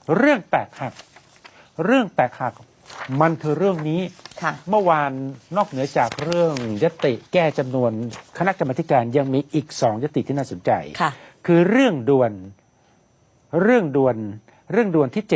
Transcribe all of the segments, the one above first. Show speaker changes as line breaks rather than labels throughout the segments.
เรื่องแตกหักมันคือเรื่องนี้เมื่อวานนอกเหนือจากเรื่องยติแก้จำนวนคณะกรรมาธิการยังมีอีก2ยติที่น่าสนใจคือเรื่องด่วนที่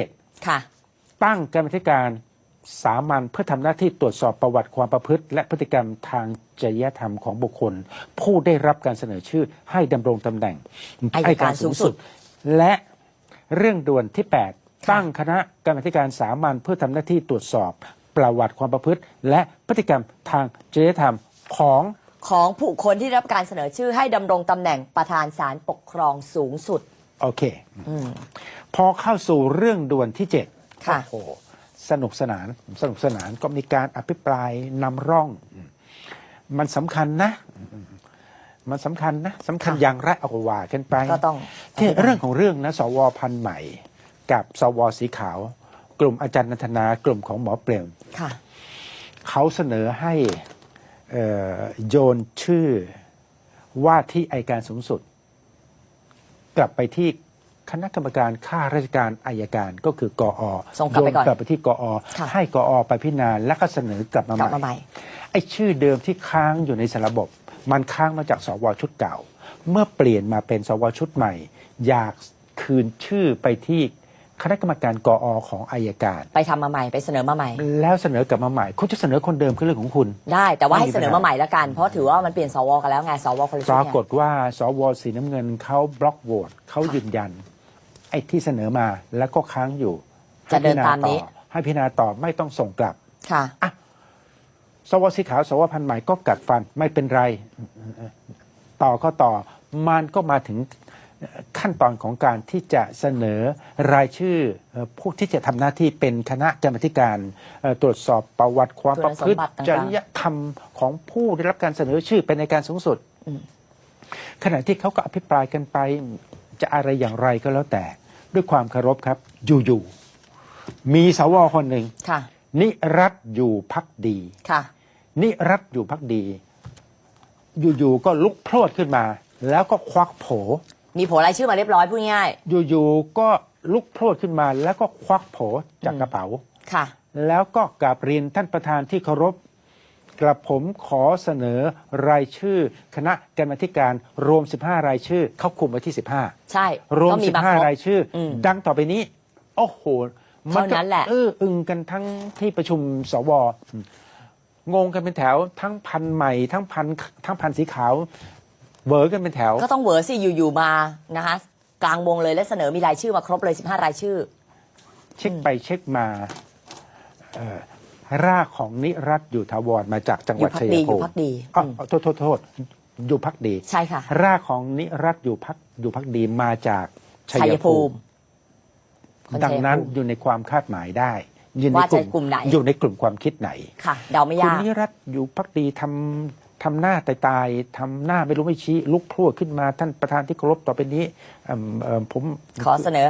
7ตั้งกรรมาธิการสามัญเพื่อทำหน้าที่ตรวจสอบประวัติความประพฤติและพฤติกรรมทางจริยธรรมของบุคคลผู้ได้รับการเสนอชื่อให้ดำรงตำแหน่งอัยการสูงสุดและเรื่องด่วนที่8ตั้งคณะกรรมาธิการสามัญเพื่อทำหน้าที่ตรวจสอบประวัติความประพฤติและพฤติกรรมทางจริยธรรมของ
ผู้คนที่รับการเสนอชื่อให้ดำรงตำแหน่งประธานศาลปกครองสูงสุด
โอเคพอเข้าสู่เรื่องด่วนที่7
ค่ะ
โอ้สนุกสนานก็มีการอภิปรายนำร่องมันสำคัญนะสำคัญอย่างไรเอาว่ากันไป
ก็ต้อง
ที่เรื่องของเรื่องนะสวพันธุ์ใหม่กับสวสีขาวกลุ่มอาจารย์นันทนากลุ่มของหมอเปรมเขาเสนอให้โยนชื่อว่าที่อัยการสูงสุดกลับไปที่คณะกรรมการข้าราชการอัยการก็คือกอ.
ส่งกลับไปก่อน
กลับไปที่กอ.ให้กอ.ไปพิจารณาแล้วก็เสนอกลับมาใหม่ไอ้ชื่อเดิมที่ค้างอยู่ในสารระบบมันค้างมาจากสวชุดเก่าเมื่อเปลี่ยนมาเป็นสวชุดใหม่อยากคืนชื่อไปที่คณะกรรมการกอ.ของอัยการ
ไปทำมาใหม่ไปเสนอมาใหม่
แล้วเสนอกลับมาใหม่คุณจะเสนอคนเดิมคือเรื่องของคุณ
ได้แต่ว่าให้เสนอมาใหม่แล้วกันเพราะถือว่ามันเปลี่ยนสวกันแล้วไงสวคนละชุด
ปรากฏว่าสวสีน้ำเงินเขาบล็อกโหวตเขายืนยันไอ้ที่เสนอมาแล้วก็ค้างอยู่
จะเดินตามนี้
ให้พิจารณาต่อไม่ต้องส่งกลับ
ค่ะ
สวสีขาวสวพันธุ์ใหม่ก็กัดฟันไม่เป็นไรต่อมันก็มาถึงขั้นตอนของการที่จะเสนอรายชื่อผู้ที่จะทำหน้าที่เป็นคณะกรรมาธิการตรวจสอบประวัติความประพฤติจริยธรรมของผู้ได้รับการเสนอชื่อเป็นอัยการสูงสุดขณะที่เขาก็อภิปรายกันไปจะอะไรอย่างไรก็แล้วแต่ด้วยความเคารพครับอยู่มีสวคนหนึ่งนิรัตน์อยู่ภักดีนิรัตน์อยู่ภักดีอยู่ก็ลุกโพรวดขึ้นมาแล้วก็ควักโผ
มีโผรายชื่อมาเรียบร้อยพูดง่าย
อยู่ก็ลุกโพรวดขึ้นมาแล้วก็ควักโผจากกระเป๋าแล้วก็กราบเรียนท่านประธานที่เคารพกระผมขอเสนอรายชื่อคณะกรรมาธิการรวม15รายชื่อเขาคุมไว้ที่15
ใช่
รวม15รายชื่อดังต่อไปนี้โอ้โห
มันนั้นแหละ
อึ้งกันทั้งที่ประชุมสวงงกันเป็นแถวทั้งพันใหม่ทั้งพันสีขาวเวอร์กันเป็นแถว
ก็ต้องเวอร์สิอยู่มานะคะกลางวงเลยและเสนอมีรายชื่อมาครบเลย15รายชื่อ
เช็คไปเช็คมารากของนิรัตน์อยู่ถาวรมาจากจังหวัดชัยภูมิโทษอยู่พักดี
ใช่ค่ะ
รากของนิรัตน์อยู่พักดีมาจากชัยภูมิดังนั้นอยู่ในความคาดหมายได้
ว่าจะกลุ่มไหน
อยู่ในกลุ่มความคิดไหน
ค่ะเดาไม่ยาก
คุณนิรัตน์อยู่พักดีทำหน้าตายทำหน้าไม่รู้ไม่ชี้ลุกพรวดขึ้นมาท่านประธานที่เคารพต่อไปนี้ผม
ขอเสนอ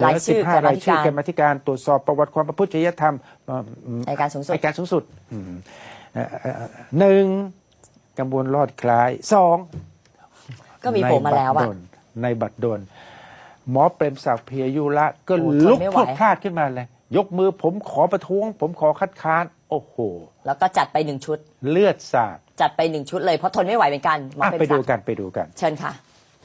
15รายชื่อกรรมาธิการตรวจสอบประวัติความประพฤติจริยธรรม
อัยการสูง
สุด1กำบวนรอดคล้าย2
ก็มีโผล่มาแล้ว
ในบัตรดลหมอเปรมศักดิ์เพียยุระก็ลุกพรวดพลาดขึ้นมาเลยยกมือผมขอประท้วงผมขอคัดค้านโอ้โห
แล้วก็จัดไป1ชุด
เลือดสาด
จัดไป1ชุดเลยเพราะทนไม่ไหวเหมือนกัน
ไปดูกัน
เชิญค่ะ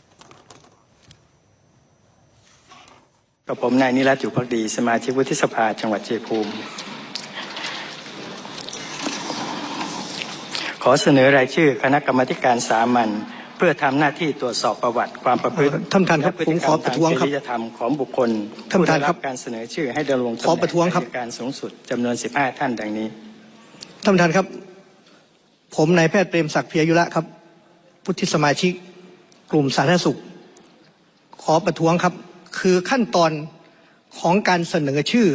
กับผมนายนิรัตน์อยู่ภักดีสมาชิกวุฒิสภาจังหวัดชัยภูมิขอเสนอรายชื่อคณะกรรมาธิการสามัญเพื่อทำหน้าที่ตรวจสอบประวัติความประพฤติ
ท่านประธานครับผมขอประท้วงครับ
จริยธรรมของบุคคล
ท่านประธานครับ
การเสนอชื่อให้ดำรงตำแหน่งอัยการสูงสุดจำนวน15ท่านดังนี้
ท่านประธานครับผมนายแพทย์เปรมศักดิ์เพียยุระครับวุฒิสมาชิกกลุ่มสาธารณสุขขอประท้วงครับคือขั้นตอนของการเสนอชื่อ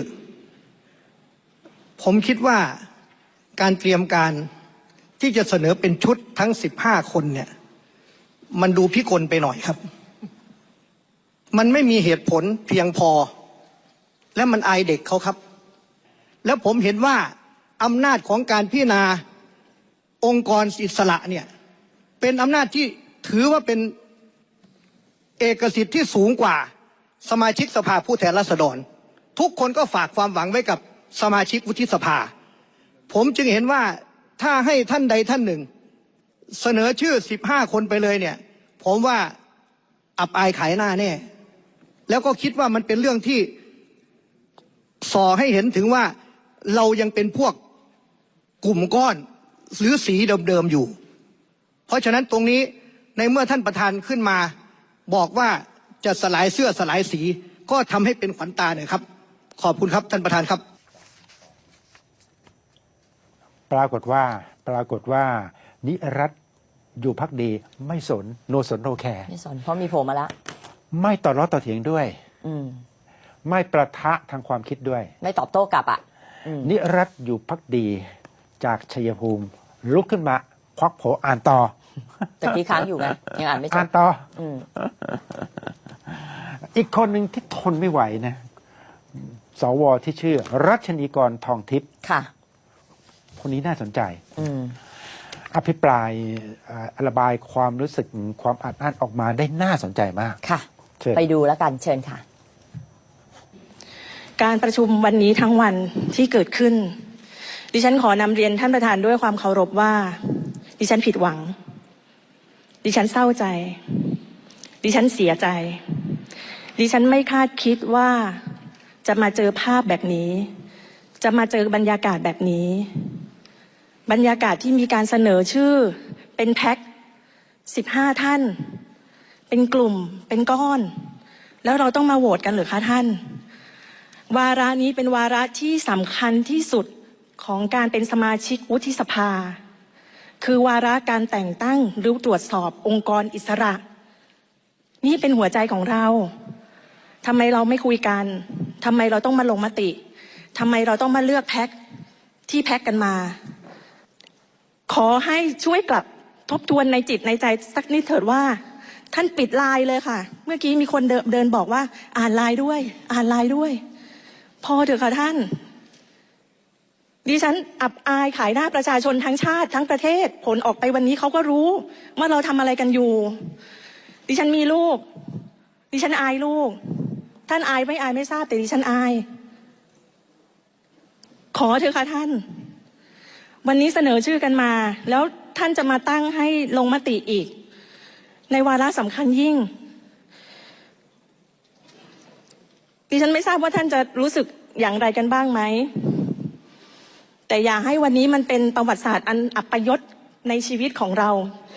ผมคิดว่าการเตรียมการที่จะเสนอเป็นชุดทั้ง15คนเนี่ยมันดูพิกลไปหน่อยครับมันไม่มีเหตุผลเพียงพอและมันอายเด็กเขาครับแล้วผมเห็นว่าอำนาจของการพิจารณาองค์กรอิสระเนี่ยเป็นอำนาจที่ถือว่าเป็นเอกสิทธิ์ที่สูงกว่าสมาชิกสภาผู้แทนราษฎรทุกคนก็ฝากความหวังไว้กับสมาชิกวุฒิสภาผมจึงเห็นว่าถ้าให้ท่านใดท่านหนึ่งเสนอชื่อ15 คนไปเลยเนี่ยผมว่าอับอายขายหน้าแน่แล้วก็คิดว่ามันเป็นเรื่องที่ส่อให้เห็นถึงว่าเรายังเป็นพวกกลุ่มก้อนหรือสีเดิมๆอยู่เพราะฉะนั้นตรงนี้ในเมื่อท่านประธานขึ้นมาบอกว่าจะสลายเสื้อสลายสีก็ทำให้เป็นขวัญตาหน่อยครับขอบคุณครับท่านประธานครับ
ปรากฏว่านิรัตน์อยู่พักดีไม่สนโนสนโนแคร์
ไม่สนเพราะมีโผล่มาแล้ว
ไม่ต่อล้อต่อเถียงด้วย
อืม
ไม่ประทะทางความคิดด้วย
ไม่ตอบโต้กลับอ่ะ
นิรัตน์อยู่พักดีจากชัยภูมิลุกขึ้นมาควักโผอ่านต่อ
แต่พี่ค้างอยู่ไงยังอ่านไม่จ
อ่าน
บ
ต่อ
อืม
อีกคนหนึ่งที่ทนไม่ไหวนะสวที่ชื่อรัชนีกรทองทิพย์
ค่ะ
คนนี้น่าสนใจ
อืม
อภิปรายระบายความรู้สึกความอัดอั้นออกมาได้น่าสนใจมาก
ค่ะ
เชิญ
ไปดูแล้วกันเชิญค่ะ
การประชุมวันนี้ทั้งวันที่เกิดขึ้น ดิฉันขอนำเรียนท่านประธานด้วยความเคารพว่า ดิฉันผิดหวัง ดิฉันเศร้าใจ ดิฉันเสียใจ ดิฉันไม่คาดคิดว่าจะมาเจอภาพแบบนี้ จะมาเจอบรรยากาศแบบนี้ บรรยากาศที่มีการเสนอชื่อเป็นแพ็ค15 ท่าน เป็นกลุ่มเป็นก้อน แล้วเราต้องมาโหวตกันหรือคะท่าน วาระนี้เป็นวาระที่สำคัญที่สุดของการเป็นสมาชิกวุฒิสภา คือวาระการแต่งตั้งหรือตรวจสอบองค์กรอิสระ นี่เป็นหัวใจของเราทำไมเราไม่คุยกันทำไมเราต้องมาลงมติทำไมเราต้องมาเลือกแพ็คที่แพ็คกันมา ขอให้ช่วยกลับทบทวนในจิตในใจสักนิดเถิดว่า ท่านปิดไลน์เลยค่ะ เมื่อกี้มีคนเดินบอกว่าอ่านไลน์ด้วย อ่านไลน์ด้วย พอเถอะค่ะท่าน ดิฉันอับอายขายหน้าประชาชนทั้งชาติทั้งประเทศผลออกไปวันนี้เขาก็รู้ว่าเราทำอะไรกันอยู่ ดิฉันมีลูก ดิฉันอายลูก ท่านอายไม่อายไม่ทราบแต่ดิฉันอาย ขอเถอะค่ะท่าน วันนี้เสนอชื่อกันมา แล้วท่านจะมาตั้งให้ลงมติอีก ในวาระสำคัญยิ่ง ดิฉันไม่ทราบว่าท่านจะรู้สึกอย่างไรกันบ้างไหม แต่อย่าให้วันนี้มันเป็นประวัติศาสตร์อันอัปยศในชีวิตของเรา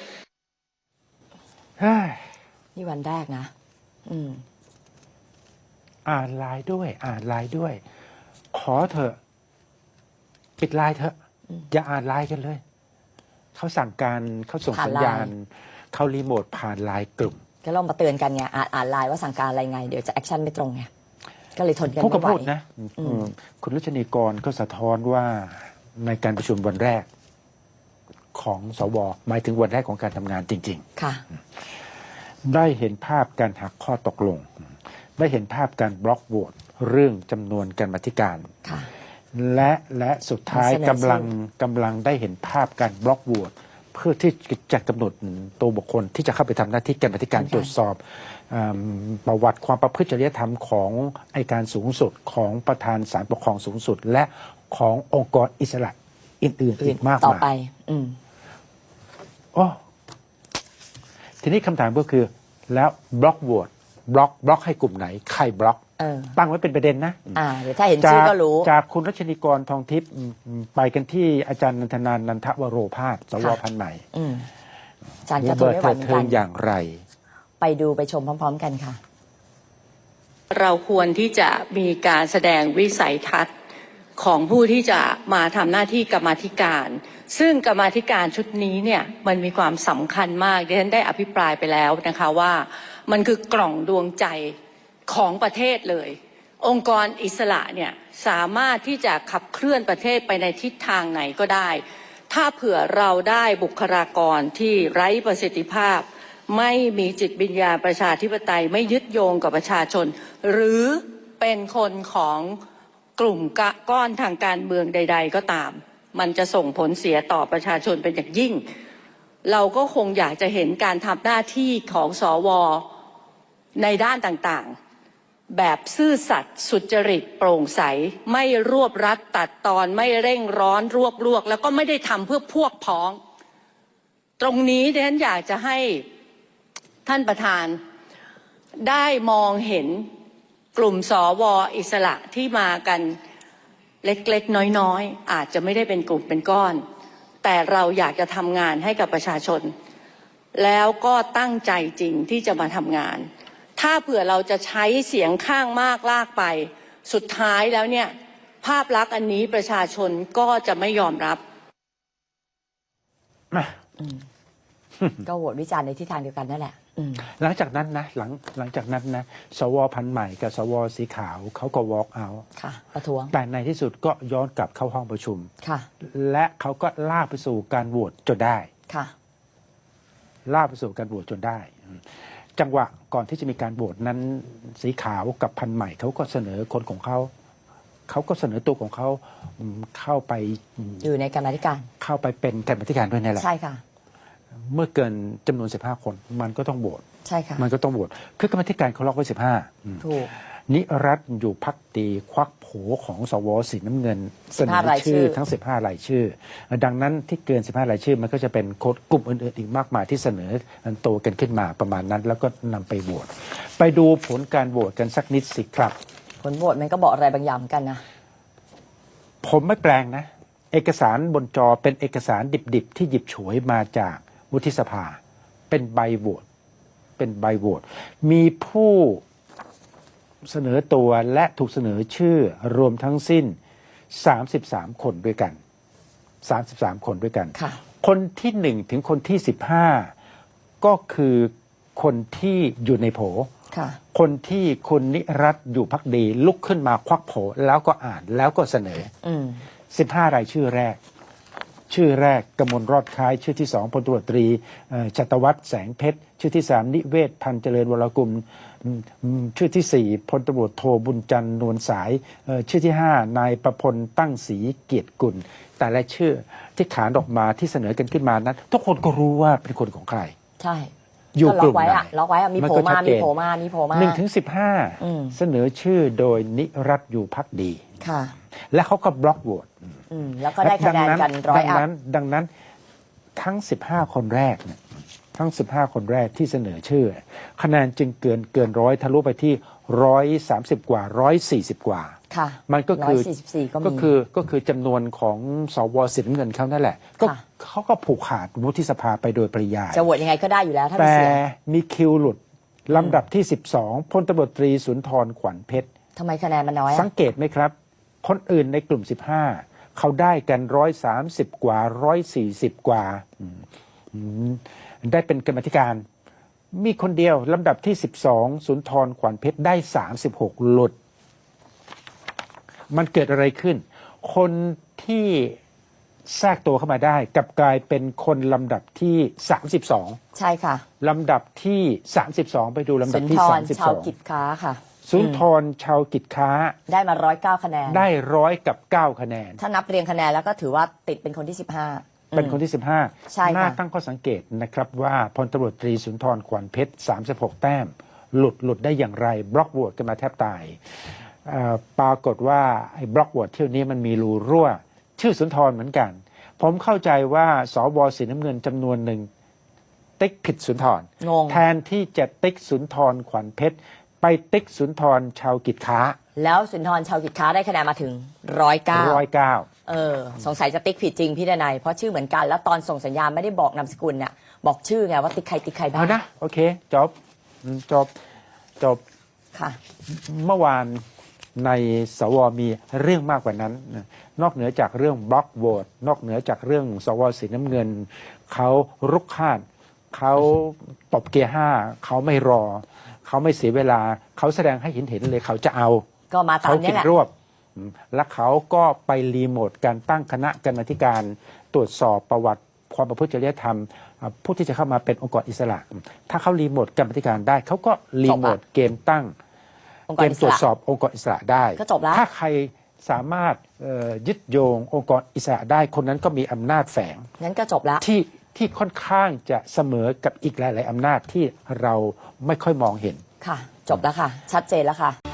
เฮ้ย
นี่วันแรกนะ อืม
อ่านไลน์ด้วย อ่านไลน์ด้วย ขอเถอะปิดไลน์เถอะอย่าอ่านไลน์กันเลยเขาสั่งการเขาส่ง
ผ่าน
สัญ
ไลน์
ญาณเขารีโมทผ่านไลน์กลุ่ม
ก็ลองมาเตือนกันไงอ่านไลน์ว่าสั่งการอะไรไง เดี๋ยวจะแอคชั่นไม่ตรงไง ก็เลยทนกัน
พูด
ไม่
ก็
ไหว
พูดนะคุณรัชนีกรก็สะท้อนว่าในการประชุมวันแรกของสวหมายถึงวันแรกของการทำงานจริง
ค่ะ
ๆ ได้เห็นภาพการหักข้อตกลง ได้เห็นภาพการบล็อกโหวตเรื่องจำนวนกรรมาธิการ
ค่ะ
และสุดท้าย
เสนอชื่อ
กำลังได้เห็นภาพการบล็อกโหวตเพื่อที่จะกำหนดตัวบุคคลที่จะเข้าไปทำหน้าที่กรรมาธิการตรวจสอบประวัติความประพฤติจริยธรรมของอัยการสูงสุดของประธานศาลปกครองสูงสุด และขององค์กรอิสระอื่นๆอีกมาก
ต่อ
มาย
ไป อืม
โอ้ทีนี้คำถามก็คือ แล้วบล็อกโหวตบล็อกให้กลุ่มไหน ใครบล็อก
เออ
ตั้งไว้เป็นประเด็นนะ
เดี๋ยวถ้าเห็นชื่อก็รู้
จากคุณรัชนีกรทองทิพย์ไปกันที่อาจารย์นันทนานนันทวโรภาสสว
ค่ะ
พันธุ์ใหม่
อืมอาจารย์ก็ทน
เบิด
ไม่ไหว
เถิด
เหมือน
เทิ
กั
ง
น
อย่างไร
ไปดูไปชมพร้อม ๆ กันค่ะ
เราควรที่จะมีการแสดงวิสัยทัศน์ของผู้ที่จะมาทำหน้าที่กรรมาธิการ ซึ่งกรรมาธิการชุดนี้เนี่ยมันมีความสำคัญมากดิฉันได้อภิปรายไปแล้วนะคะว่ามันคือกล่องดวงใจของประเทศเลย องค์กรอิสระเนี่ยสามารถที่จะขับเคลื่อนประเทศไปในทิศทางไหนก็ได้ ถ้าเผื่อเราได้บุคลากรที่ไร้ประสิทธิภาพ ไม่มีจิตวิญญาณประชาธิปไตยไม่ยึดโยงกับประชาชน หรือเป็นคนของกลุ่มก้อนทางการเมืองใด ๆ ก็ตาม มันจะส่งผลเสียต่อประชาชนเป็นอย่างยิ่ง เราก็คงอยากจะเห็นการทำหน้าที่ของสวในด้านต่างๆแบบซื่อสัตย์สุจริตโปร่งใสไม่รวบรัดตัดตอนไม่เร่งร้อนรวบลวกแล้วก็ไม่ได้ทำเพื่อพวกพ้อง ตรงนี้ดิฉันอยากจะให้ท่านประธานได้มองเห็นกลุ่มสวอิสระที่มากันเล็กๆน้อยๆอาจจะไม่ได้เป็นกลุ่มเป็นก้อน แต่เราอยากจะทำงานให้กับประชาชน แล้วก็ตั้งใจจริงที่จะมาทำงาน ถ้าเผื่อเราจะใช้เสียงข้างมากลากไปสุดท้ายแล้วเนี่ยภาพลักษณ์อันนี้ประชาชนก็จะไม่ยอมรับ
ก็โหวตวิจารณ์ในทิศทางเดียวกันนั่นแหละ
หลังจากนั้นนะหลังจากนั้นนะสวพันธุ์ใหม่กับสวสีขาวเขาก็ walk out
ค่ะ ประท้วง
แต่ในที่สุดก็ย้อนกลับเข้าห้องประชุม
ค่ะ
และเขาก็ลากไปสู่การโหวตจนได้
ค่ะ
ลากไปสู่การโหวตจนได้ จังหวะก่อนที่จะมีการโหวตนั้นสีขาวกับพันธุ์ใหม่เขาก็เสนอคนของเขาก็เสนอตัวของเขาเข้าไป
อยู่ในกรรมาธิการ
เข้าไปเป็นกรรมาธิการด้วยนั่นแหละ
ใช่ค่ะ
เมื่อเกินจำนวน15 คนมันก็ต้องโหวต
ใช่ค่ะ
มันก็ต้องโหวตคือกรรมาธิการเขาล็อกไว้15
ถูก
นิรัตน์อยู่พักดีควักโผของสวสีน้ำเงินเสนอ
รายชื่
ชื่
อ
อทั้ง15 รายชื่อ ดังนั้นที่เกิน15 รายชื่อมันก็จะเป็นคนกลุ่มอื่นๆอีกมากมายที่เสนอตัวกันขึ้นมาประมาณนั้น แล้วก็นำไปโหวตไปดูผลการโหวตกันสักนิดสิครับ
ผลโหวตมันก็บอกอะไรบางอย่างเหมือนกันนะ
ผมไม่แปลงนะ เอกสารบนจอเป็นเอกสารดิบๆที่หยิบฉวยมาจากวุฒิสภาเป็นใบโหวตมีผู้เสนอตัวและถูกเสนอชื่อรวมทั้งสิ้น33 คนด้วยกัน33 คนด้วยกัน
ค่ะ
คนที่1ถึงคนที่15ก็คือคนที่อยู่ในโผ
ค่ะ
คนที่คุณนิรัตน์อยู่พักดีลุกขึ้นมาควักโผแล้วก็อ่านแล้วก็เสนอ 15 รายชื่อแรกกมลรอดคล้ายชื่อที่2พลตำรวจตรีชัตวัฒน์แสงเพชรชื่อที่3นิเวศพันธ์เจริญวรกุลชื่อที่4พลตำรวจโทบุญจันทร์นวลสายชื่อที่5นายประพลตั้งศรีเกียรติกุลแต่ละชื่อที่ขานออกมาที่เสนอกันขึ้นมานั้นทุกคนก็รู้ว่าเป็นคนของใคร
ใช่
อยู่
ก็
ก
ล็อ
ลุ่
ก
ม
ไว้
ไหน
อะล็อกไว้อะมี
น
โผล่
ก็
มา
ชัดเจ
มี
น
โผล่มามีโผล่มา
1 ถึง 15 เสนอชื่อโดยนิรัตน์อยู่พักดี
ค่ะ
และเขาก็บล็อกโหวต
แล้วก็ได้คะแนนกันร้อยอัพ
ดังนั้นทั้ง 15 คนแรกเนี่ยทั้ง 15 คนแรกที่เสนอชื่อ คะแนนจึงเกินร้อยทะลุไปที่130 กว่า140 กว่า
ค่ะ
มันก็คือ
144ก็มี
ก็คือจำนวนของสวสีน้ำเงินเขานั่นแหละก็
ค่ะ
เขาก็ผูกขาดวุฒิสภาไปโดยปริยาย
จะโหวตยังไงก็ได้อยู่แล้วถ้ามี
แต่
เสียง
มีคิวหลุดลำดับที่ 12พลตำรวจตรีสุนทรขวัญเพชร
ทำไมคะแนนมันน้อย
สั
อะ
งเกตไหมครับ คนอื่นในกลุ่ม 15 เขาได้กัน130 กว่า140 กว่าได้เป็นกรรมาธิการ มีคนเดียวลำดับที่ 12 สุนทรขวัญเพชรได้36หลุด มันเกิดอะไรขึ้น คนที่แทรกตัวเข้ามาได้กลับกลายเป็นคนลำดับที่ 32
ใช่ค่ะ
ลำดับที่ 32 ไปดูลำดั
สุ
บ
น
ที่
ทรชาวกิจ
32
ค้าค่ะ
สุนทรชาวกิจค้า
ได้มา109คะแนน
ได้109 คะแนน
ถ้านับเรียงคะแนนแล้วก็ถือว่าติดเป็นคนที่ 15
เป็นคนที่ 15
ใช่ค่ะ
น่าตั้งข้อสังเกตนะครับว่าพลตำรวจตรีสุนทรขวัญเพชร36 แต้ม หลุดได้อย่างไร บล็อกโหวตกันมาแทบตายปรากฏว่าไอ้บล็อกโหวตเที่ยวนี้มันมีรูรั่ว ชื่อสุนทรเหมือนกัน ผมเข้าใจว่าสวสีน้ำเงินจำนวนหนึ่งติ๊กผิดสุนทร
งง
แทนที่จะติ๊กสุนทรขวัญเพชรไปติ๊กสุนทรชาวกิจค้า
แล้วสุนทรชาวกิจค้าได้คะแนนมาถึง109
109
สงสัยจะติ๊กผิดจริงพี่ดนัยเพราะชื่อเหมือนกันแล้วตอนส่งสัญญาณไม่ได้บอกนามสกุลเนี่ยบอกชื่อไงว่าติ๊กใครบ้า
เอา
ง
นะ โอเค จบ
ค่ะ
เมื่อวานในสวมีเรื่องมากกว่านั้นนะนอกเหนือจากเรื่องบล็อกโหวตนอกเหนือจากเรื่องสวสีน้ำเงิน เขารุกคาดเขาตบเกียร์5เขาไม่รอ เขาไม่เสียเวลา เขาแสดงให้เห็นเลยเขาจะเอา
ก็มาตา
เขา
มนี้
คิด
แหละ
รวบและเขาก็ไปรีโมทการตั้งคณะกรรมาธิการตรวจสอบประวัติความประพฤติจริยธรรมผู้ที่จะเข้ามาเป็นองค์กรอิสระ ถ้าเขารีโมทกรรมาธิการได้เขาก็รีโมทเกมตั้ง
องค์ก
เก
ร
ม
อิ
ต
ส
รวจ
ระ
สอบองค์กรอิสระได้
ก็จบแล้ว
ถ้าใครสามารถยึดโยงองค์กรอิสระได้คนนั้นก็มีอำนาจแฝง
งั้นก็จบแล้ว
ที่ค่อนข้างจะเสมอกับอีกหลาย ๆอำนาจที่เราไม่ค่อยมองเห็น
ค่ะ จบแล้วค่ะ ชัดเจนแล้วค่ะ